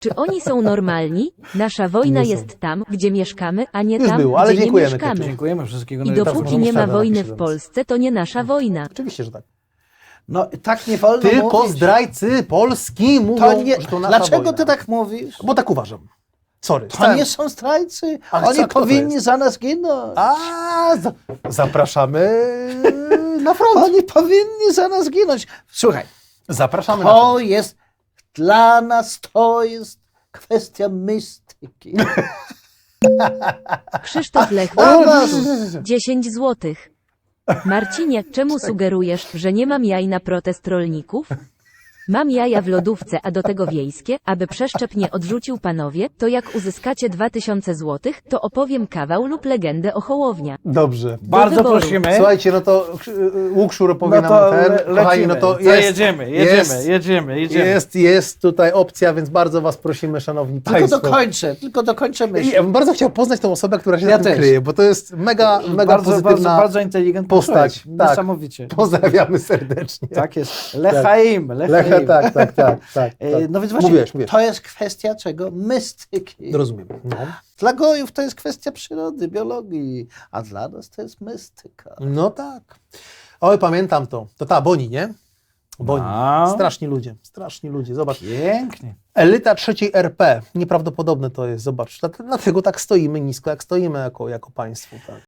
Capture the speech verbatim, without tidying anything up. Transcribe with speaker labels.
Speaker 1: Czy oni są normalni? Nasza wojna
Speaker 2: Nie są.
Speaker 1: jest tam, gdzie mieszkamy, a nie
Speaker 2: Już
Speaker 1: tam,
Speaker 2: było, ale
Speaker 1: gdzie nie
Speaker 2: dziękujemy,
Speaker 1: mieszkamy.
Speaker 2: Keciu.
Speaker 3: Dziękujemy, wszystkiego
Speaker 1: I
Speaker 3: najlepszego.
Speaker 1: dopóki
Speaker 2: możemy
Speaker 1: nie ma
Speaker 2: wtedy
Speaker 1: wojny
Speaker 2: napisać.
Speaker 1: w Polsce, to nie nasza wojna.
Speaker 2: Oczywiście, że tak.
Speaker 3: No tak nie wolno
Speaker 2: Tylko
Speaker 3: mówić.
Speaker 2: zdrajcy Polski mówią,
Speaker 3: To nie...
Speaker 2: że to nasza
Speaker 3: Dlaczego
Speaker 2: wojna.
Speaker 3: ty tak mówisz?
Speaker 2: Bo tak uważam. Sorry.
Speaker 3: To
Speaker 2: stałem-
Speaker 3: nie są zdrajcy.
Speaker 2: Ale
Speaker 3: Oni
Speaker 2: co, kto to
Speaker 3: powinni
Speaker 2: jest?
Speaker 3: za nas ginąć.
Speaker 2: A, za... zapraszamy na front.
Speaker 3: Oni powinni za nas ginąć. Słuchaj,
Speaker 2: Zapraszamy na
Speaker 3: to
Speaker 2: front.
Speaker 3: jest dla nas to jest kwestia mistyki.
Speaker 1: Krzysztof Lech,
Speaker 3: Dla nas.
Speaker 1: dziesięć złotych. Marcinie, czemu sugerujesz, że nie mam jaj na protest rolników? Mam jaja w lodówce, a do tego wiejskie, aby przeszczep nie odrzucił panowie, to jak uzyskacie dwa tysiące złotych, to opowiem kawał lub legendę o Hołownia.
Speaker 2: Dobrze.
Speaker 3: Bardzo
Speaker 1: wyboru.
Speaker 3: prosimy.
Speaker 2: Słuchajcie, no to y, Łukszur opowie
Speaker 3: No
Speaker 2: nam
Speaker 3: to
Speaker 2: ten.
Speaker 3: le-
Speaker 2: Kochani, no
Speaker 3: lecimy.
Speaker 2: to
Speaker 3: Co,
Speaker 2: jest,
Speaker 3: jedziemy, jedziemy,
Speaker 2: jest,
Speaker 3: jedziemy, jedziemy.
Speaker 2: Jest, jest tutaj opcja, więc bardzo was prosimy, szanowni
Speaker 3: Tylko
Speaker 2: państwo.
Speaker 3: dokończę, tylko dokończę myśl.
Speaker 2: Ja bym bardzo chciał poznać tą osobę, która się
Speaker 3: Ja
Speaker 2: za tym
Speaker 3: też.
Speaker 2: kryje, bo to jest mega, mega
Speaker 3: bardzo, bardzo,
Speaker 2: pozytywna
Speaker 3: bardzo inteligentny
Speaker 2: postać.
Speaker 3: człowiek.
Speaker 2: Tak.
Speaker 3: Niesamowicie.
Speaker 2: Pozdrawiamy serdecznie.
Speaker 3: Tak jest. Lechaim,
Speaker 2: Lecha,
Speaker 3: lechaim.
Speaker 2: tak, tak, tak, tak,
Speaker 3: E,
Speaker 2: tak.
Speaker 3: No więc właśnie,
Speaker 2: Mówiłeś, mówiłeś.
Speaker 3: to jest kwestia czego? Mistyki.
Speaker 2: Rozumiem. No.
Speaker 3: Dla gojów to jest kwestia przyrody, biologii, a dla nas to jest mistyka.
Speaker 2: no tak. Oj, pamiętam to. To ta, Boni, nie? Boni.
Speaker 3: No.
Speaker 2: Straszni ludzie, straszni ludzie. Zobacz.
Speaker 3: Pięknie.
Speaker 2: Elita trzeciej R P. Nieprawdopodobne to jest, zobacz. Dlat- Dlatego tak stoimy nisko, jak stoimy jako, jako państwo. Tak.